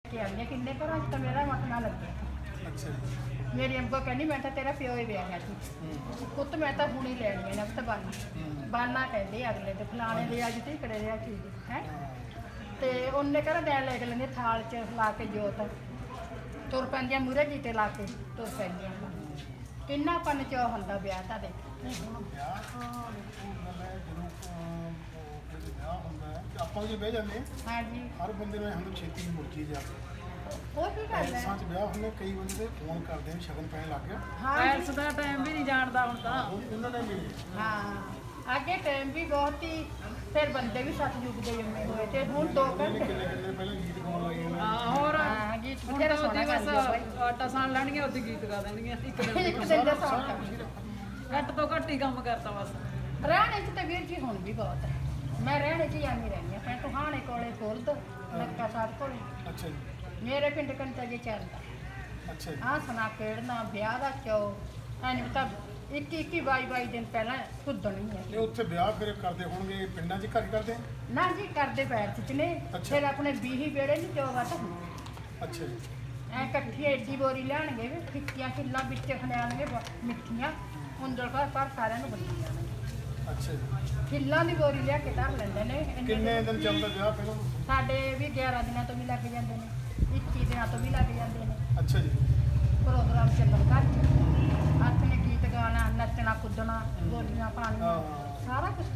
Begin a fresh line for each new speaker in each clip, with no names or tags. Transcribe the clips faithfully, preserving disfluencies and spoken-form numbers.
ਕੇ ਆਈਆਂ ਕਿੰਨੇ ਘਰਾਂ 'ਚ ਤਾਂ ਮੇਰਾ ਮੱਥਾ ਲੱਗਿਆ।
ਅੱਛਾ ਜੀ।
ਮੇਰੀ ਅੰਕੋ ਕਹਿੰਦੀ ਮੈਂ ਤਾਂ ਤੇਰਾ ਪਿਓ ਹੀ ਵਿਆਹਿਆ ਸੀ ਪੁੱਤ, ਮੈਂ ਤਾਂ ਹੁਣੀ ਲੈਣੀ ਹੈ ਨਫਤ ਬਾਨੀ ਬਾਨਾ ਕਹਿੰਦੇ ਅਗਲੇ ਤੇ ਫਲਾਣੇ ਦੇ ਅੱਜ ਤੇ ਕੜੇ ਰਿਆ ਚੀਜ਼ ਹੈ। ਤੇ ਉਹਨੇ ਕਹਿੰਦਾ ਡੈਣ ਲੈ ਕੇ ਲੈਂਦੇ ਥਾਲ 'ਚ ਲਾ ਕੇ ਜੋਤ ਤੁਰ ਪੈਂਦੀਆਂ ਮੂਹਰੇ ਜੀਤੇ ਲਾ ਕੇ ਤੁਰ ਪੈਂਦੀਆਂ। ਕਿੰਨਾ ਪਨ ਚੋ ਹੁੰਦਾ ਵਿਆਹ ਤਾਂ ਦੇ
ਹੁਣ ਵਿਆਹ ਤਾਂ ਦੇਖੋ ਗੱਲ ਹੈ ਜਦੋਂ ਅਹ, ਜਦੋਂ ਵਿਆਹ ਹੁੰਦਾ ਹੈ ਤੇ ਆਪਾਂ ਜੇ ਬਹਿ ਜਾਂਦੇ ਹਾਂ,
ਹਾਂਜੀ
ਹਰ ਬੰਦੇ ਨੂੰ ਹੰਦ ਛੇਤੀ ਦੀ ਮੁਰਜੀ ਜਾ ਕੇ
ਉਹ ਕੀ ਗੱਲ ਹੈ।
ਪੈਲਸਾਂ 'ਚ ਵਿਆਹ ਹੁੰਦੇ ਕਈ ਬੰਦੇ ਫੋਨ ਕਰਦੇ ਨੇ ਸ਼ਗਨ ਪੈਣ ਲੱਗ ਗਿਆ
ਹਾਂ
ਪੈਲਸ ਦਾ ਟਾਈਮ ਵੀ ਨਹੀਂ ਜਾਣਦਾ ਹੁਣ ਤਾਂ।
ਹੁਣ ਉਹਨਾਂ ਨੇ ਵੀ
ਹਾਂ ਅੱਗੇ ਟਾਈਮ ਵੀ ਬਹੁਤ ਹੀ ਫਿਰ ਬੰਦੇ ਵੀ ਸੱਤ ਯੁੱਗ ਦੇ ਜੰਮੇ ਹੋਏ ਤੇ ਹੁਣ ਦੋ ਘੰਟੇ
ਕਿੰਨੇ ਕਿੰਨੇ ਪਹਿਲਾਂ ਗੀਤ ਗਾਉਣ ਲੱਗੇ ਨੇ
ਹਾਂ ਹੋਰ
ਹਾਂ ਗੀਤ
ਹੁਣ
ਬਥੇਰਾ
ਤਾਂ
ਸੋਹਣਾ
ਉਹਦੀ
ਕਰਦੇ ਆ ਬਾਈ।
ਬਸ ਆਟਾ ਸਾਣ ਲੈਣਗੇ ਉਹਦੀ ਗੀਤ ਗਾ ਦੇਣਗੇ ਇੱਕ ਦਿਨ
ਇੱਕ ਦਿਨ ਦਾ ਸੌਂਗ ਕਰ
ਘੱਟ ਤੋਂ ਘੱਟ ਹੀ ਕੰਮ ਕਰਤਾ ਬਸ।
ਰਹਿਣੇ ਚ ਤਾਂ ਵੀਰ ਜੀ ਹੁਣ ਵੀ ਬਹੁਤ ਹੈ। ਮੈਂ ਰਹਿਣੇ ਚ ਹੀ ਆਂਦੀ ਰਹਿੰਦੀ ਹਾਂ ਪਿੰਡ ਟੁਹਾਣੇ ਕੋਲੇ ਖੁਰਦ ਲੱਕਾ ਸਾਹਿਬ ਕੋਲੇ
ਅੱਛਾ ਜੀ।
ਮੇਰੇ ਪਿੰਡ ਕੰਟਾ ਜੇ ਚੱਲਦਾ
ਅੱਛਾ ਜੀ।
ਆਹ ਸੁਣਾ ਖੇਡਣਾ ਵਿਆਹ ਦਾ ਚੋ ਐਨੀ ਪਤਾ ਇੱਕੀ ਇੱਕੀ ਬਾਈ ਬਾਈ ਦਿਨ ਪਹਿਲਾਂ ਖੁੱਦਣੀ ਹੈ।
ਇਹ ਉੱਥੇ ਵਿਆਹ ਫਿਰ ਕਰਦੇ ਹੋਣਗੇ ਪਿੰਡਾਂ 'ਚ ਘਰ ਹੀ ਕਰਦੇ ਆ?
ਨਾ ਜੀ ਕਰਦੇ ਪੈਰ ਚ ਨੇ
ਅੱਛਾ।
ਫਿਰ ਆਪਣੇ ਬੀਹੀ ਵੇੜੇ ਨਹੀਂ ਚੋਗਾ ਤਾਂ
ਅੱਛਾ ਜੀ।
ਐ ਇਕੱਠੀ ਐਡੀ ਬੋਰੀ ਲੈਣਗੇ ਵੀ ਫਿੱਕੀਆਂ ਕਿੱਲਾਂ ਵਿੱਚ ਖਣਿਆਣਗੇ ਮਿੱਠੀਆਂ ਹੁੰਦਲ ਪਰ ਪਰ ਸਾਰਿਆਂ ਨੂੰ ਬੰਦੀ ਜਾਣਗੇ।
ਅੱਛਾ ਜੀ।
ਕਿੱਲਾਂ ਦੀ ਬੋਰੀ ਲਿਆ ਕੇ ਧਰ ਲੈਂਦੇ ਨੇ ਇੰਨੇ
ਕਿੰਨੇ ਦਿਨ ਚੱਲਦਾ ਵਿਆਹ ਪਹਿਲਾਂ?
ਸਾਡੇ ਵੀ ਗਿਆਰਾਂ ਦਿਨਾਂ ਤੋਂ ਵੀ ਲੱਗ ਜਾਂਦੇ ਨੇ ਇੱਕੀ ਦਿਨਾਂ ਤੋਂ ਵੀ ਲੱਗ ਜਾਂਦੇ ਨੇ
ਅੱਛਾ ਜੀ।
ਪ੍ਰੋਗਰਾਮ ਚੱਲਣ ਘਰ ਚ ਆਪਣੇ ਗੀਤ ਗਾਣਾ ਨੱਚਣਾ ਕੁੱਦਣਾ ਗੋਲੀਆਂ ਪਾਣੀਆਂ
ਹਾਂ।
ਸਾਰਾ ਕੁਝ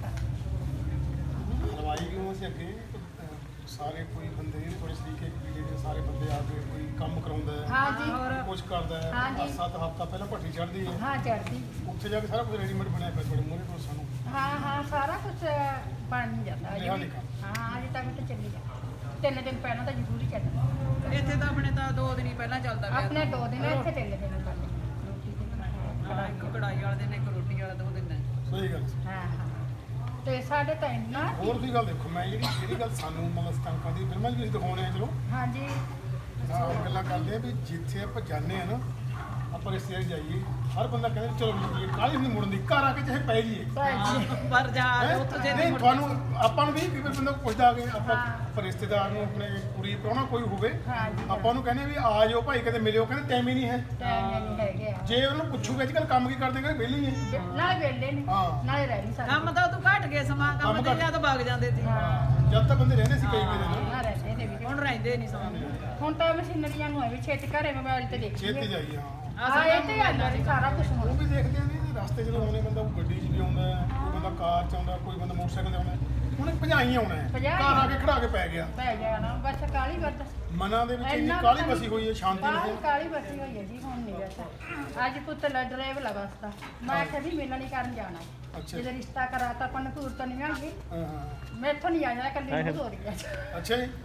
ਕਰ
ਹਲਵਾਈ ਕਿਉਂ ਅਸੀਂ ਅੱਗੇ ਅਹ, ਸਾਰੇ ਕੋਈ ਬੰਦੇ ਥੋੜੇ ਸਲੀਕੇ ਜਿਹੜੇ ਸਾਰੇ ਬੰਦੇ ਆ ਕੇ ਕੋਈ ਕੰਮ ਕਰਾਉਂਦਾ ਹੈ
ਹਾਂ ਜੀ
ਹੋਰ
ਕੁਝ ਕਰਦਾ ਹੈ
ਹਾਂ ਜੀ।
ਸੱਤ ਹਫ਼ਤਾ ਪਹਿਲਾਂ ਭੱਠੀ ਚੜ੍ਹਦੀ ਹੈ
ਹਾਂ ਚੜਦੀ
ਉੱਥੇ ਜਾ ਕੇ ਸਾਰਾ ਕੁਝ ਰੈਡੀਮੇਡ ਬਣਿਆ ਪਿਆ ਤੁਹਾਡੇ ਮੂਹਰੇ ਕੋਲ ਸਾਨੂੰ
ਹਾਂ ਹਾਂ ਸਾਰਾ ਕੁਝ ਬਣ ਜਾਂਦਾ ਅਜੇ
ਲਿਖਾ
ਵੀ।
ਲਿਖਾ।
ਹਾਂ ਅਜੇ ਤੱਕ ਤਾਂ ਚੱਲੀ ਜਾਂਦਾ ਤਿੰਨ ਦਿਨ ਪਹਿਲਾਂ ਤਾਂ ਜ਼ਰੂਰੀ ਚੱਲਦਾ
ਇੱਥੇ ਤਾਂ ਆਪਣੇ ਤਾਂ ਦੋ ਦਿਨ ਹੀ ਪਹਿਲਾਂ ਚੱਲਦਾ ਵਿਆਹ।
ਆਪਣੇ ਦੋ ਦਿਨ ਇੱਥੇ ਤਿੰਨ ਦਿਨ ਕਰਦੇ ਰੋਟੀ ਤੇ
ਹਾਂ, ਇੱਕ ਕੜਾਈ ਵਾਲੇ ਦਿਨ ਇੱਕ ਰੋਟੀ ਵਾਲਾ ਦੋ ਦਿਨ ਹੈ।
ਸਹੀ ਗੱਲ ਸੀ।
ਹਾਂ ਹਾਂ ਤੇ ਸਾਡੇ ਤਾਂ ਇੰਨਾ
ਹੋਰ ਵੀ ਗੱਲ ਦੇਖੋ ਮੈਂ ਜਿਹੜੀ ਜਿਹੜੀ ਗੱਲ ਸਾਨੂੰ ਮਤਲਬ ਸਟੰਕਾਂ ਦੀ ਫਿਲਮਾਂ 'ਚ ਵੀ ਅਸੀਂ ਦਿਖਾਉਣੇ ਆ ਚਲੋ
ਹਾਂਜੀ
ਤਾਂ ਗੱਲਾਂ ਕਰਦੇ ਆ ਵੀ ਜਿੱਥੇ ਆਪਾਂ ਜਾਂਦੇ ਆ ਨਾ ਆਪਾਂ ਰਿਸ਼ਤੇਦਾਰ ਜਾਈਏ ਹਰ ਬੰਦਾ ਕਹਿੰਦਾ ਚਲੋ ਜੀ ਕਾਹਲੀ ਨਹੀਂ ਮੁੜਨ ਦੀ ਘਰ ਆ ਕੇ ਚਾਹੇ ਪੈ ਜਾਈਏ
ਭਾਈ ਜੀ
ਪਰ ਜਾ
ਹੈਂ?
ਉੱਥੇ ਜੇ
ਨਹੀਂ ਤੁਹਾਨੂੰ ਆਪਾਂ ਨੂੰ ਵੀ ਕਈ ਵਾਰ ਬੰਦਾ ਪੁੱਛਦਾ ਆ ਕੇ ਆਪਾਂ
ਹਾਂ।
ਆਪਾਂ ਰਿਸ਼ਤੇਦਾਰ ਨੂੰ ਆਪਣੇ ਕੁੜੀ ਪ੍ਰਾਹੁਣਾ ਕੋਈ ਹੋਵੇ
ਹਾਂ ਜੀ
ਆਪਾਂ ਨੂੰ ਕਹਿੰਦੇ ਵੀ ਆ ਜਾਓ ਭਾਈ ਕਦੇ ਮਿਲਿਓ ਕਹਿੰਦੇ ਟਾਈਮ ਹੀ ਨਹੀਂ ਹੈ
ਟਾਈਮ ਨਹੀਂ ਹੈਗੇ ਆ
ਜੇ ਉਹਨੂੰ ਪੁੱਛੂਗੇ ਅੱਜ ਕੱਲ ਕੰਮ ਕੀ ਕਰਦੇ ਕਹਿੰਦੇ ਵਿਹਲੇ ਹੀ ਹੈ
ਨਾਲੇ ਵੇਲੇ ਨੇ
ਹਾਂ।
ਨਾਲੇ ਰਹਿ ਨਹੀਂ ਸਕਦੇ
ਕੰਮ ਤਾਂ ਉਦੋਂ ਘਟ ਗਏ ਸਮਾਂ ਕੰਮ
ਕੰਮ
ਤੇ
ਘੱਟ।
ਜਦ ਵਗ ਜਾਂਦੇ ਸੀ
ਹਾਂ
ਜਦ ਤੱਕ ਬੰਦੇ ਰਹਿੰਦੇ ਸੀ ਕਈ ਕਈ ਦਿਨ
ਨਾ ਰਹਿੰਦੇ ਤੇ ਵੀ
ਹੁਣ ਰਹਿੰਦੇ ਨਹੀਂ ਸਮਾਂ
ਹੁਣ ਤਾਂ ਮਸ਼ੀਨਰੀਆਂ ਨੂੰ ਹੈ ਵੀ ਛੇਤੀ ਘਰੇ ਮੋਬਾਈਲ ਤੇ
ਛੇਤੀ
ਦੇਖੀਏ
ਜਾਈਏ ਹਾਂ
ਹਾਂ ਇਹ ਤੇ ਆਉਂਦਾ ਜੀ ਸਾਰਾ ਕੁਝ
ਉਹ
ਹੁਣ
ਵੀ ਦੇਖਦੇ ਆ ਨੇ ਰਸਤੇ ਜਦੋਂ ਆਉਣੇ ਬੰਦਾ ਕੋਈ ਗੱਡੀ 'ਚ ਵੀ ਆਉਂਦਾ ਹੈ ਕੋਈ ਬੰਦਾ ਕਾਰ 'ਚ ਆਉਂਦਾ ਕੋਈ ਬੰਦਾ ਮੋਟਰਸਾਈਕਲ 'ਤੇ ਆਉਂਦਾ ਹੈ। ਹੁਣ ਭਜਾਈ ਆਉਣਾ ਹੈ
ਭਜਾਈ
ਘਰ ਆ ਕੇ ਖੜਾ ਕੇ ਪੈ ਗਿਆ
ਪੈ ਗਿਆ ਨਾ ਬਸ ਕਾਲੀ ਵਰਤ
ਮਨਾਂ ਦੇ ਵਿੱਚ ਇੰਨੀ
ਇੰਨਾ
ਕਾਲੀ
ਪਤਾ
ਬਸੀ ਹੋਈ ਹੈ ਸ਼ਾਂਤੀ
ਬਾਹਰ
ਨਹੀਂ ਹੈ
ਕਾਲੀ ਬਸੀ ਹੋਈ ਹੈ ਜੀ ਹੁਣ ਨਹੀਂ ਵੈਸਾ ਅੱਜ ਪੁੱਤ ਲੈ ਡਰਾਈਵ ਲਗਾਸਤਾ ਮੈਂ ਕਦੀ ਮਿਲਣ ਨਹੀਂ ਕਰਨ ਜਾਣਾ
ਅੱਛਾ
ਜਦੋਂ ਰਿਸ਼ਤਾ ਕਰਾਤਾ ਆਪਾਂ ਨੂੰ ਘੂਰ ਤਾਂ ਨਹੀਂ ਆਂਗੀ
ਹਾਂ ਹਾਂ
ਮੈਂ ਇੱਥੋਂ ਨਹੀਂ ਆ ਜਾਣਾ ਕੱਲੀ ਨੂੰ ਹੋ ਰਹੀ ਹੈ
ਅੱਛਾ ਜੀ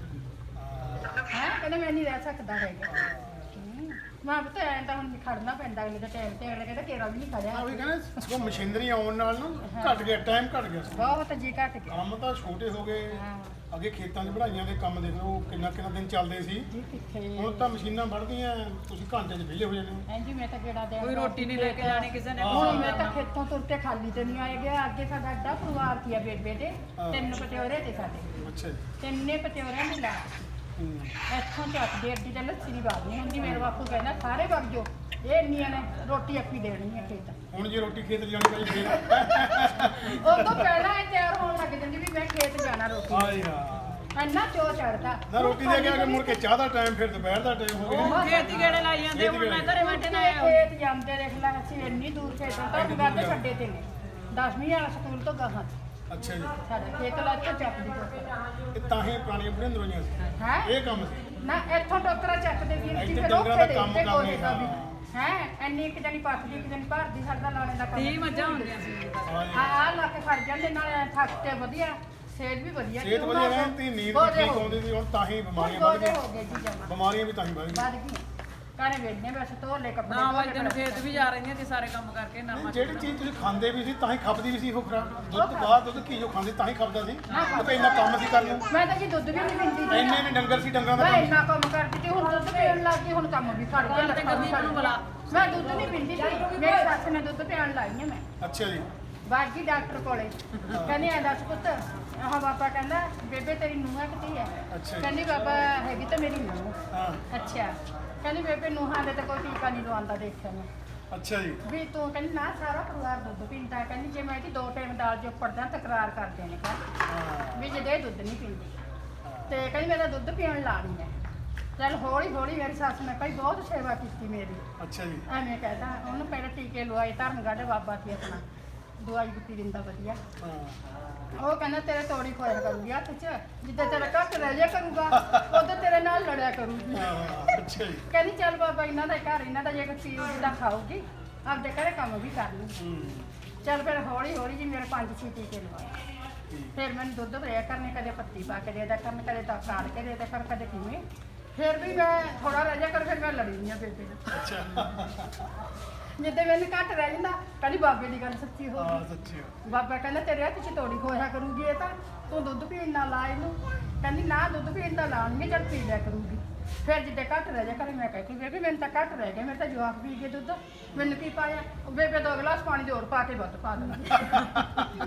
ਹੈ ਕਹਿੰਦਾ ਮੈਂ ਨਹੀਂ ਰਹਿ ਸਕਦਾ ਹੈਗਾ ਹੂੰ। ਮੈਂ ਪਤਾ ਐਂ ਤਾਂ ਹੁਣ ਖੜਨਾ ਪੈਂਦਾ ਅਗਲੇ ਦੇ ਟਾਈਮ ਤੇ ਅਗਲੇ ਕਹਿੰਦਾ ਕੇਰਾ ਵੀ ਨਹੀਂ
ਆ
ਖੜਿਆ
ਵੀ ਕਹਿੰਦੇ ਸਗੋਂ ਮਸ਼ੀਨਰੀ ਆਉਣ ਨਾਲ ਨਾ ਘਟ ਗਿਆ ਟਾਈਮ ਘਟ ਗਿਆ ਸੀ।
ਬਹੁਤ ਜੀ ਘਟ ਗਿਆ
ਕੰਮ ਤਾਂ ਛੋਟੇ ਹੋ ਗਏ
ਹਾਂ
ਅੱਗੇ ਖੇਤਾਂ 'ਚ ਵਢਾਈਆਂ ਦੇ ਕੰਮ ਦੇਖ ਲਓ ਕਿੰਨਾ ਕਿੰਨਾ ਦਿਨ ਚੱਲਦੇ ਸੀ
ਜੀ ਕਿੱਥੇ
ਹੁਣ ਤਾਂ ਮਸ਼ੀਨਾਂ ਵੱਢਦੀਆਂ ਤੁਸੀਂ ਘੰਟੇ 'ਚ ਵਿਹਲੇ ਹੋ ਜਾਂਦੇ ਹੋ
ਐਂ ਜੀ ਮੈਂ ਤਾਂ ਕਿਹੜਾ ਦੇ
ਕੋਈ ਰੋਟੀ ਨਹੀਂ ਲੈ ਕੇ ਜਾਣੀ ਕਿਸੇ ਨੇ
ਹੁਣ ਮੈਂ ਤਾਂ ਖੇਤੋਂ ਤੁਰ ਕੇ ਖਾਲੀ ਤੇ ਨਹੀਂ ਆਏ ਗਿਆ ਅੱਗੇ ਸਾਡਾ ਅੱਡਾ ਪਰਿਵਾਰ ਸੀ ਆ ਬੇਬੇ ਦੇ
ਹਾਂ।
ਤਿੰਨ ਪਤਿਓਰੇ ਤੇ ਸਾਡੇ
ਅੱਛਾ ਜੀ
ਤਿੰਨੇ ਪਤਿਓਰਿਆਂ ਨੂੰ ਲਾ
ਹੂੰ।
ਇੱਥੋਂ ਚੱਕ ਦੇ ਅੱਡੀ ਤੇ ਲੱਸੀ ਦੀ ਬਾਤ ਨਹੀਂ ਹੁੰਦੀ ਮੇਰੇ ਬਾਪੂ ਕਹਿੰਦਾ ਸਾਰੇ ਵਗ ਜੋ ਇਹ ਇੰਨੀਆਂ ਨੇ ਰੋਟੀ ਅੱਪੀ ਦੇਣੀ ਹੈ ਖੇਤ
ਹੁਣ ਜੇ ਰੋਟੀ ਖੇਤ ਲਿਜਾਣੀ ਪਈ ਫੇਰ
ਉਹ ਤੋਂ ਪਹਿਲਾਂ ਇਹ ਤਿਆਰ ਹੋਣ ਲੱਗ ਜਾਂਦੀ ਵੀ ਮੈਂ ਖੇਤ ਜਾਣਾ ਰੋਟੀ
ਆਏ ਯਾਰ
ਇੰਨਾ ਚੋ ਚੜਦਾ
ਨਾ ਰੋਟੀ ਦੇ ਕੇ ਆ ਕੇ ਮੁੜ ਕੇ ਚਾਹ ਦਾ ਟਾਈਮ ਫਿਰ ਦੁਪਹਿਰ ਦਾ ਟਾਈਮ ਹੋ ਗਿਆ
ਖੇਤੀ ਗੇੜੇ ਲਾਈ ਜਾਂਦੇ ਹੁਣ ਮੈਂ ਘਰੇ ਬੈਠੇ ਨਾ ਆਇਆ
ਖੇਤ ਜਾਂਦੇ ਦੇਖ ਲੈ ਅਸੀਂ ਇੰਨੀ ਦੂਰ ਖੇਤੋਂ ਤਾਂ ਕਰਦੇ ਛੱਡੇ ਤੇ ਨੇ ਦਸਵੀਂ ਵਾਲਾ ਸਕੂਲ ਤੋਂ ਗਾਹਾਂ
ਅੱਛਾ ਜੀ
ਸਾਡਾ ਖੇਤ ਲਾ ਕੇ ਚੱਕਦੀ ਟੋਕਰਾ
ਇਹ ਤਾਂ ਹੀ ਪੁਰਾਣੀਆਂ ਬੁੜੀਆਂ ਦਰੋਈਆਂ ਸੀ
ਹੈ
ਇਹ ਕੰਮ ਸੀ
ਨਾ ਇੱਥੋਂ ਟੋਕਰਾ ਚੱਕਦੇ ਵੀਰ ਜੀ
ਇੱਥੇ
ਫਿਰ
ਡੰਗਰਾਂ
ਉੱਥੇ
ਦਾ ਕੰਮ
ਦੇ
ਕਰਨੇ,
ਦਾ ਵੀ
ਹਾਂ।
ਹੈ ਇੰਨੀ ਇੱਕ ਜਣੀ ਪੱਟਦੀ ਇੱਕ ਜਣੀ ਭਰਦੀ ਸਾਡਾ ਲਾਣੇ ਦਾ ਕੰਮ
ਤੀਹ ਮੱਝਾਂ ਹੁੰਦੀਆਂ ਸੀ
ਹਾਂ ਜੀ।
ਹਾਂ ਆ ਲਾ ਕੇ ਫੜ ਜਾਂਦੇ ਨਾਲ ਐਂ ਥੱਕ ਕੇ ਵਧੀਆ ਸਿਹਤ ਵੀ ਵਧੀਆ
ਸਿਹਤ ਵਧੀਆ ਰਹਿੰਦੀ ਨੀਂਦ ਵੀ ਠੀਕ ਆਉਂਦੀ ਸੀ ਹੁਣ ਤਾਂ ਹੀ ਬਿਮਾਰੀਆਂ ਵੱਧ
ਗੋਡੇ ਹੋ
ਗਈਆਂ
ਗਏ ਜੀ ਜਮਾ
ਬਿਮਾਰੀਆਂ ਵੀ ਤਾਂ ਹੀ ਵੱਧ ਗਈਆਂ
ਵੱਧ ਗਈਆਂ ਘਰੇ ਵੇਚਨੇ ਵੈਸੇ ਧੋ ਲੈ ਕੱਪੜੇ
ਨਾ
ਧੋ
ਵਾਈ
ਲੈ
ਦਿਨ ਖੇਤ ਵੀ ਜਾ ਰਹੀਆਂ ਸੀ ਸਾਰੇ ਕੰਮ ਕਰਕੇ
ਨਹੀਂ,
ਨਰਮਾ
ਜਿਹੜੀ ਚੀਜ਼ ਤੁਸੀਂ ਖਾਂਦੇ ਵੀ ਸੀ ਤਾਂ ਹੀ ਖਪਦੀ ਵੀ ਸੀ ਉਹ ਖਰਾ ਦੁੱਧ ਬਾਅਦ ਦੁੱਧ ਘੀ ਜੋ ਖਾਂਦੇ ਤਾਂ ਹੀ ਖਪਦਾ ਸੀ ਉਹ ਤਾਂ ਇੰਨਾ ਕੰਮ ਸੀ ਕਰਨ ਨੂੰ
ਮੈਂ ਤਾਂ ਜੀ ਦੁੱਧ ਵੀ ਨਹੀਂ ਪੀਂਦੀ ਸੀ
ਇੰਨੇ ਨੇ ਡੰਗਰ ਸੀ ਡੰਗਰਾਂ ਦਾ
ਮੈਂ
ਕੰਮ
ਇੰਨਾ ਕੰਮ ਕਰਦੀ ਤੇ ਹੁਣ ਦੁੱਧ ਪੀਣ ਲੱਗ ਗਈ ਹੁਣ ਕੰਮ ਵੀ ਫੜ ਗਿਆ
ਤੇ
ਲੱਤਾਂ ਵੀ
ਗਰਮੀ
ਫੜ
ਨੂੰ
ਗਈਆਂ।
ਬੁਲਾ।
ਮੈਂ ਦੁੱਧ ਨਹੀਂ ਪੀਂਦੀ ਸੀ ਮੇਰੀ ਸੱਸ ਨੇ ਦੁੱਧ ਪਿਆਣ ਲਾਈ ਹੈ ਮੈਂ
ਅੱਛਾ ਜੀ
ਬਾਗੀ ਡਾਕਟਰ ਕੋਲੇ ਕਹਿੰਦੇ ਆ ਦੱਸ ਪੁੱਤ ਆਹ ਬਾਬਾ ਕਹਿੰਦਾ ਬੇਬੇ ਤੇਰੀ ਨੂੰਹ ਕਿੱਥੇ ਹੈ?
ਅੱਛਾ ਜੀ।
ਕਹਿੰਦੀ ਬਾਬਾ ਹੈਗੀ ਤਾਂ ਮੇਰੀ ਨੂੰਹ।
ਹਾਂ
ਅੱਛਾ ਕਹਿੰਦੀ ਬੇਬੇ ਨੂੰਹਾਂ ਦੇ ਤਾਂ ਕੋਈ ਟੀਕਾ ਨਹੀਂ ਲਵਾਉਂਦਾ ਦੇਖਿਆ ਮੈਂ
ਅੱਛਾ ਜੀ
ਵੀ ਤੂੰ ਕਹਿੰਦੀ ਨਾ ਸਾਰਾ ਪਰਿਵਾਰ ਦੁੱਧ ਪੀਂਦਾ ਕਹਿੰਦੀ ਜੇ ਮੈਂ ਕਿ ਦੋ ਟਾਈਮ ਦਾਲ ਜੋ ਪੜਦਾ ਤਕਰਾਰ ਕਰਦੇ ਨੇ ਘਰ
ਹਾਂ
ਵੀ ਜਿਹਦੇ ਦੁੱਧ ਨਹੀਂ ਪੀਂਦੀ ਤੇ ਕਹਿੰਦੀ ਮੇਰਾ ਦੁੱਧ ਪੀਣ ਲਾਣੀ ਹੈ। ਚੱਲ ਹੌਲੀ ਹੌਲੀ ਮੇਰੀ ਸੱਸ ਨੇ ਭਾਈ ਬਹੁਤ ਸੇਵਾ ਕੀਤੀ ਮੇਰੀ
ਅੱਛਾ ਜੀ
ਐਵੇਂ ਕਹਿੰਦਾ ਉਹਨੂੰ ਪਹਿਲਾਂ ਟੀਕੇ ਲਵਾਏ ਧਰਮਗੜ੍ਹ ਬਾਬਾ ਸੀ ਆਪਣਾ ਦਵਾਈ ਬੁੱਟੀ ਦਿੰਦਾ ਵਧੀਆ
ਹਾਂ
ਉਹ ਕਹਿੰਦਾ ਤੇਰੇ ਤੋੜੀ ਖੋਇਆ ਕਰੂਗੀ ਹੱਥ 'ਚ ਜਿੱਦਾਂ ਤੇਰਾ ਘੱਟ ਰਹਿ ਜਾ ਕਰੂਗਾ ਉਦੋਂ ਤੇਰੇ ਨਾਲ ਲੜਿਆ ਕਰੂਗੀ
ਹਾਂ ਅੱਛਾ ਜੀ
ਕਹਿੰਦੀ ਚੱਲ ਬਾਬਾ ਇਹਨਾਂ ਦਾ ਘਰ ਇਹਨਾਂ ਦਾ ਜੇ ਕੋਈ ਚੀਜ਼ ਦਾ ਖਾਊਗੀ ਆਪਦੇ ਘਰੇ ਕੰਮ ਵੀ ਕਰ ਲੂ
ਹੂੰ
ਚੱਲ ਫਿਰ ਹੌਲੀ ਹੌਲੀ ਜੀ ਮੇਰੇ ਪੰਜ ਛੇ ਟੀਕੇ ਲਵਾਏ
ਠੀਕ
ਫਿਰ ਮੈਨੂੰ ਦੁੱਧ ਭਰਿਆ ਕਰਨੇ ਕਦੇ ਪੱਤੀ ਪਾ ਕੇ ਦੇ ਦਿਆ ਕਰਨ ਕਦੇ ਤਾਂ ਕਾੜ ਕੇ ਦੇ ਦਿਆ ਕਰ ਕਦੇ ਕਿਵੇਂ ਫਿਰ ਵੀ ਮੈਂ ਥੋੜਾ ਰਹਿ ਜਾ ਕਰ ਫਿਰ ਮੈਂ ਲੜੀ ਨਹੀਂ ਆ ਬੇਬੇ ਨਾਲ
ਅੱਛਾ
ਜਿੱਦੇ ਮੈਨੂੰ ਘੱਟ ਰਹਿ ਜਾਂਦਾ ਕਹਿੰਦੀ ਬਾਬੇ ਦੀ ਗੱਲ ਸੱਚੀ ਹੋ
ਹਾਂ
ਗਈ
ਸੱਚੀ ਹੋ।
ਬਾਬਾ ਕਹਿੰਦਾ ਤੇਰੇ ਹੱਥ 'ਚ ਤੋੜੀ ਖੋਇਆ ਕਰੂਗੀ ਇਹ ਤਾਂ ਤੂੰ ਦੁੱਧ ਪੀਣ ਨਾ ਲਾ ਇਹਨੂੰ ਕਹਿੰਦੀ ਨਾ ਦੁੱਧ ਪੀਣ ਦਾ ਲਾਉਣਗੇ ਜਦ ਪੀ ਲਿਆ ਕਰੂਗੀ ਫਿਰ ਜਿੱਦੇ ਘੱਟ ਰਹਿ ਜਾ ਕਰੇ ਮੈਂ ਕਹਿ ਕੇ ਬੇਬੇ ਮੈਨੂੰ ਤਾਂ ਘੱਟ ਰਹਿ ਗਿਆ ਮੇਰੇ ਤਾਂ ਜਵਾਕ ਪੀ ਗਏ ਦੁੱਧ ਮੈਨੂੰ ਕੀ ਪਾਇਆ ਉਹ ਬੇਬੇ ਦੋ ਗਲਾਸ ਪਾਣੀ ਦੇ ਹੋਰ ਪਾ ਕੇ ਵੱਧ ਪਾ ਦੇਣਾ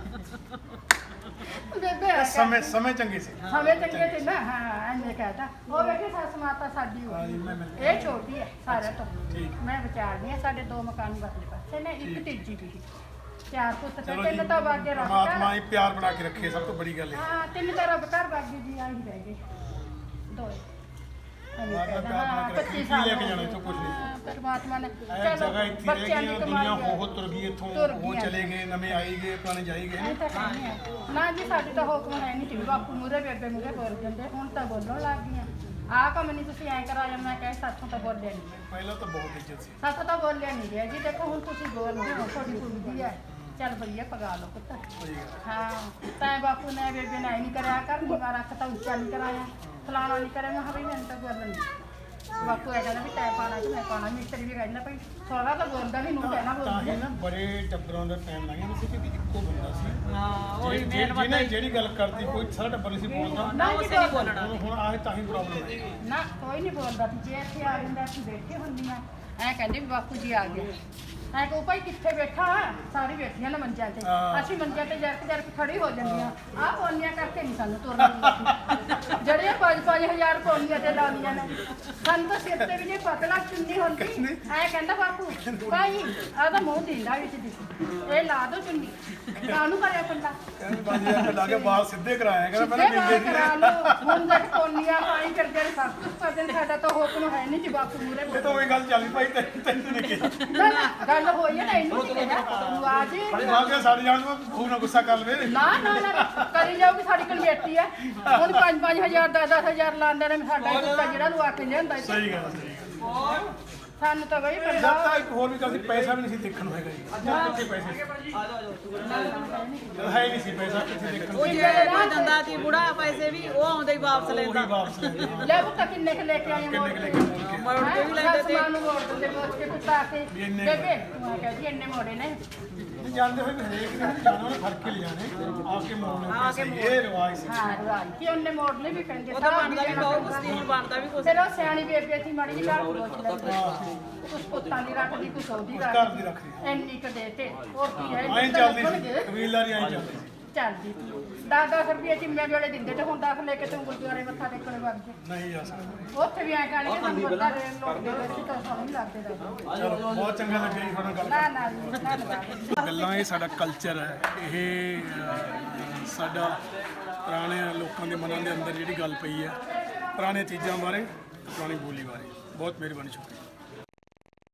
ਬੇਬੇ ਆ
ਸਮੇਂ ਸਮੇਂ ਚੰਗੇ ਸੀ
ਹਮੇ ਚੰਗੇ ਤੇ ਨਾ ਹਾਂ ਐਨੇ ਕਹਤਾ ਉਹ ਵੇਖੇ ਸੱਸ ਮਾਤਾ ਸਾਡੀ ਹੋ
ਹਾਂ ਜੀ, ਮੈਂ
ਗਈ
ਮਿਲ
ਇਹ ਛੋਟੀ ਹੈ ਸਾਰਿਆਂ ਤੋਂ
ਠੀਕ।
ਮੈਂ ਵਿਚਾਰਦੀ ਹਾਂ ਸਾਡੇ ਦੋ ਮਕਾਨ ਬਦਲੇ ਪਾਸੇ ਨੇ ਇੱਕ
ਠੀਕ।
ਤੀਜੀ ਵੀ ਚਾਰ ਪੁੱਤ ਤੇ
ਚਲੋ ਜੀ
ਤਿੰਨ ਤਾਂ ਬਾਗੇ ਰੱਖ
ਪਰਮਾਤਮਾ ਹੀ ਪਿਆਰ ਬਣਾ ਕੇ ਰੱਖੇ ਸਭ ਤੋਂ ਬੜੀ ਗੱਲ ਹੈ
ਹਾਂ ਤਿੰਨ ਤਾਂ ਰੱਬ ਘਰ ਬਾਗੇ ਜੀ ਆਹੀ ਰਹਿ ਗਏ ਦੋ ਐਵੇਂ
ਮਾਤਾ
ਕਹਿੰਦਾ,
ਪਿਆਰ ਬਣਾ
ਹਾਂ,
ਕੇ ਰੱਖੇ,
ਪੱਚੀ
ਕੀ
ਸਾਲ
ਲੈ ਕੇ
ਹੋ
ਜਾਣਾ
ਗਏ।
ਇੱਥੋਂ ਕੁਛ ਨਹੀਂ।
ਹਾਂ, ਪਰਮਾਤਮਾ ਨੇ
ਇਹ
ਚਲੋ,
ਜਗ੍ਹਾ ਇੱਥੇ ਰਹਿ
ਬੱਚਿਆਂ
ਗਈ
ਦੀ
ਦੁਨੀਆ
ਕਮਾਈ ਹੈ।
ਹੋ ਤੁਰ ਗਈ ਇੱਥੋਂ
ਤੁਰ
ਉਹ
ਗਈ ਹੈ।
ਚਲੇ ਗਏ ਨਵੇਂ ਆਈ ਗਏ ਪੁਰਾਣੇ ਜਾਈ ਗਏ
ਐਂ ਤਾਂ ਕਹਿੰਦੇ ਆ। ਨਾ ਜੀ ਸਾਡੇ ਤਾਂ ਹੁਕਮ ਹੈ ਨਹੀਂ ਕਿ ਬਾਪੂ ਮੂਰੇ ਬੇਬੇ ਮੂਰੇ ਬੋਲ ਜਾਂਦੇ ਹੁਣ ਤਾਂ ਬੋਲਣ ਲੱਗ ਗਈਆਂ ਆਹ ਕੰਮ ਨਹੀਂ ਤੁਸੀਂ ਐਂ ਕਰਾਇਆ ਮੈਂ ਕਹੇ ਸਾਥੋਂ ਤਾਂ ਬੋਲਿਆ ਨਹੀਂ
ਪਹਿਲਾਂ ਤਾਂ ਬਹੁਤ ਇੱਜ਼ਤ ਸੀ
ਸਾਥੋਂ ਤਾਂ ਬੋਲਿਆ ਨਹੀਂ ਗਿਆ ਜੀ ਦੇਖੋ ਹੁਣ ਤੁਸੀਂ ਬੋਲਦੇ ਹੋ ਤੁਹਾਡੀ ਕੁੜੀ ਦੀ ਹੈ ਚੱਲ ਭਈਆ ਪਗਾ ਲਓ ਪੁੱਤ
ਸਹੀ ਗੱਲ
ਹਾਂ ਤੈਂ ਬਾਪੂ ਨੇ ਬੇਬੇ ਨੇ ਐਂ ਨਹੀਂ ਕਰਿਆ ਕਰ ਨੀਵਾ ਰੱਖ ਤਾਂ ਉੱਚਾ ਨਹੀਂ ਕਰਾਇਆ ਫਲਾਣਾ ਨਹੀਂ ਕਰਿਆ ਮੈਂ ਕਿਹਾ ਵੀ ਮੈਨੂੰ ਤਾਂ ਬੋਲਣ ਨਹੀਂ ਬਾਪੂ ਇਹ ਕਹਿੰਦਾ ਵੀ ਤੈਂ ਪਾਣਾ ਕਿ ਮੈਂ ਪਾਣਾ ਮਿਸਤਰੀ ਵੀ ਕਹਿੰਦਾ ਭਾਈ ਸੋਹਰਾ ਤਾਂ ਬੋਲਦਾ ਨਹੀਂ ਨੂੰ ਕਹਿਣਾ
ਤਾਂ
ਬੋਲਦੀ
ਹੀ ਨਾ ਬੜੇ ਟੱਬਰਾਂ ਦਾ ਟਾਈਮ ਲੰਘਿਆ ਨਹੀਂ ਸੀ ਕਿ ਇੱਕੋ ਬੰਦਾ ਸੀ
ਹਾਂ ਉਹੀ
ਜੇ-
ਮੇਨ
ਜੇ-
ਬੰਦਾ
ਜਿਹਨੇ
ਹੀ
ਜਿਹੜੀ ਗੱਲ ਕਰਦੀ ਕੋਈ ਸਾਰਾ ਟੱਬਰ ਨਹੀਂ ਸੀ ਬੋਲਦਾ
ਨਾ ਉਸੇ ਨਹੀਂ ਬੋਲਣਾ
ਹੁਣ ਹੁਣ ਆਏ ਤਾਂ ਹੀ ਪ੍ਰੋਬਲਮ ਹੈ
ਨਾ ਕੋਈ ਨਹੀਂ ਬੋਲਦਾ ਸੀ ਜੇ ਇੱਥੇ ਆ ਜਾਂਦਾ ਅਸੀਂ ਬੈਠੇ ਹੁੰਦੀਆਂ ਐ ਕਹਿੰਦੇ ਵੀ ਬਾਪੂ ਜੀ ਆ ਗਏ ਐ ਕਹੋ ਭਾਈ ਕਿੱਥੇ ਬੈਠਾ ਸਾਰੀ ਬੈਠੀਆਂ ਨਾ ਮੰਜਿਆਂ ਤੇ
ਹਾਂ।
ਅਸੀਂ ਮੰਜਿਆਂ ਤੇ ਜਰਕ ਜਰਕ ਖੜੀ ਹੋ ਜਾਂਦੀਆਂ ਆਹ ਪੌਨੀਆਂ ਕਰਕੇ ਨਹੀਂ ਸਾਨੂੰ ਤੁਰਨਾ ਦਿੰਦੀ ਜਿਹੜੀਆਂ ਪੰਜ ਪੰਜ ਹਜ਼ਾਰ ਪੌਨੀਆਂ ਤੇ ਲਾਉਂਦੀਆਂ ਨੇ ਸਾਨੂੰ ਤਾਂ ਸਿਰ ਤੇ ਵੀ ਨਹੀਂ ਪਤਲਾ ਚੁੰਨੀ ਹੁੰਦੀ ਐ ਕਹਿੰਦਾ ਬਾਪੂ ਭਾਈ ਆਹ ਤਾਂ ਮੂੰਹ ਦਿੰਦਾ ਵਿੱਚ ਦੀ ਇਹ ਲਾ ਦੋ ਚੁੰਨੀ ਕਾਹਨੂੰ ਕਰਿਆ ਪੰਡਾ
ਕਹਿੰਦੇ ਪੰਜ ਹਜ਼ਾਰ ਰੁਪਏ ਲਾ ਕੇ ਬਾਲ ਸਿੱਧੇ ਕਰਾਇਆ ਕਹਿੰਦਾ
ਸਿੱਧੇ
ਪਹਿਲਾਂ
ਬਾਲ
ਦਿੰਦੇ
ਕਰਾ
ਸੀ
ਲਓ ਹੁਣ ਤੱਕ ਪੌਨੀਆਂ ਪਾਈ ਕਰਦੇ ਨੇ ਸਭ ਕੁਝ ਕਰਦੇ ਨੇ ਸਾਡਾ ਤਾਂ ਹੁਕਮ ਹੈ ਨਹੀਂ ਜੀ ਬਾਪੂ ਮੂਰੇ
ਇਹ ਤਾਂ ਉਹੀ ਗੱਲ ਚੱਲੀ ਭਾਈ ਤੈਨੂੰ ਤੈਨੂੰ ਨਹੀਂ ਕਿਹਾ
ਨਾ ਨਾ ਗੱਲ ਹੋਈ ਹੈ ਨਾ ਇਹਨੂੰ ਨਹੀਂ ਕਿਹਾ ਤੂੰ ਆ ਜੀ
ਭਾਈ ਬਾਲ ਕੇ ਸਾਡੇ ਜਾਣ ਨੂੰ ਖੂਬ ਨਾ ਗੁੱਸਾ ਕਰ ਲਵੇ
ਨਾ ਨਾ ਨਾ ਕਰੀ ਜਾਊਗੀ ਸਾਡੀ ਕਮੇਟੀ ਹੈ ਹੁਣ ਪੰਜ ਪੰਜ ਹਜ਼ਾਰ ਦਸ ਦਸ ਹਜ਼ਾਰ ਲਾਉਂਦੇ ਨੇ ਸਾਡਾ ਕੁੱਤਾ ਜਿਹੜਾ ਨੂੰ ਆ ਕੇ ਲਿਆਂਦਾ ਇੱਥੇ।
ਸਹੀ ਗੱਲ ਸਹੀ ਗੱਲ
ਸਾਨੂੰ ਤਾਂ ਬਈ
ਜਦ ਤਾਂ ਇੱਕ ਹੋਰ ਵੀ ਗੱਲ ਸੀ ਪੈਸਾ ਵੀ ਨਹੀਂ ਸੀ ਦੇਖਣ ਨੂੰ ਹੈਗਾ ਜੀ ਜਦ ਕਿੱਥੇ ਪੈਸੇ ਸੀ? ਜਦ ਹੈ ਹੀ ਨਹੀਂ ਸੀ ਪੈਸਾ ਕਿੱਥੇ ਦੇਖਣ ਨੂੰ
ਉਹ ਜਿਹੜੇ ਕੋਈ ਦੰਦਾ ਸੀ ਬੁੜਾ ਪੈਸੇ ਵੀ ਉਹ ਆਉਂਦੇ ਹੀ ਵਾਪਸ
ਉਹੀ
ਲੈਂਦਾ
ਵਾਪਸ ਲੈ ਗਏ।
ਲੈ ਪੁੱਤ ਕਿੰਨੇ ਕੁ ਲੈ ਕੇ ਆਏ ਮੋੜ
ਕਿੰਨੇ
ਕੇ
ਕੁ ਲੈ ਕੇ ਮੋੜ ਕੇ?
ਮੋੜ ਕੇ ਵੀ ਲੈਂਦੇ ਤੇ
ਸਮਾਨ ਨੂੰ ਮੋੜ ਦਿੰਦੇ ਮੋੜ ਕੇ ਕੁੱਤਾ ਆ ਕੇ
ਵੀ ਇੰਨੇ
ਬੇਬੇ ਮੈਂ ਕਹਿੰਦੀ ਇੰਨੇ ਮੋੜੇ ਨੇ
ਨਹੀਂ ਜਾਣਦੇ ਹੋਏ ਵੀ ਹਰੇਕ ਨੇ ਜਾਣਾ ਉਹਨੇ ਫੜ ਕੇ ਲਿਜਾਣੇ ਆ ਕੇ ਮੋੜਨੇ
ਆ ਕੇ
ਪੈਸੇ ਇਹ ਰਿਵਾਜ ਸੀ
ਹਾਂ ਰਵਾਜ ਕਿ ਉਹਨੇ ਮੋੜਨੇ ਵੀ ਕਹਿੰਦੇ
ਉਹ ਤਾਂ ਬਣਦਾ ਵੀ ਬਹੁਤ ਕੁਛ ਨਹੀਂ ਬਣਦਾ ਵੀ ਕੁਛ
ਫਿਰ ਉਹ ਸਿਆਣੀ ਬੇਬੇ ਸੀ ਮਾੜੀ ਜਿਹੀ ਘਰ ਪਹੁੰਚ ਲੈਂਦੀ ਕੁਛ ਪੁੱਤਾਂ ਦੀ ਰੱਖਦੀ ਕੁਛ ਉਹਦੀ
ਘਰ
ਰੱਖਦੀ
ਦੀ ਰੱਖਦੀ
ਇੰਨੀ ਕ ਦੇ ਤੇ ਹੋਰ ਕੀ ਹੈ
ਆਈ ਚੱਲਦੀ ਸੀ ਕਬੀਲਦਾਰੀ ਆਈ ਚੱਲਦੀ ਸੀ
ਚੱਲਦੀ ਦਸ ਦਸ ਰੁਪਏ ਚਿੰਮੇ ਵੇਲੇ ਦਿੰਦੇ ਤੇ ਹੁਣ ਦਸ ਲੈ ਕੇ ਤੂੰ ਗੁਰਦੁਆਰੇ ਮੱਥਾ ਟੇਕਣ ਵਗ ਜਾ
ਨਹੀਂ ਜਾ ਸਕਦਾ
ਉੱਥੇ ਵੀ ਐ ਕਹਿਣਗੇ ਸਾਨੂੰ ਪਤਾ ਰੇ ਲੋਕ ਦੇ ਵਿੱਚ ਤਾਂ ਸਾਨੂੰ ਨਹੀਂ ਲੱਗਦੇ ਦਾ
ਚਲੋ ਬਹੁਤ ਚੰਗਾ ਲੱਗਿਆ ਜੀ ਤੁਹਾਡਾ ਗੱਲ
ਨਾ ਨਾ ਜੀ, ਧੰਨਵਾਦ
ਗੱਲਾਂ ਇਹ ਸਾਡਾ ਕਲਚਰ ਹੈ ਇਹ ਅਹ, ਸਾਡਾ ਪੁਰਾਣੇ ਲੋਕਾਂ ਦੇ ਮਨਾਂ ਦੇ ਅੰਦਰ ਜਿਹੜੀ ਗੱਲ ਪਈ ਹੈ ਪੁਰਾਣੇ ਚੀਜ਼ਾਂ ਬਾਰੇ ਪੁਰਾਣੀ ਬੋਲੀ ਬਾਰੇ ਬਹੁਤ ਮਿਹਰਬਾਨੀ ਸ਼ੁਕਰੀਆ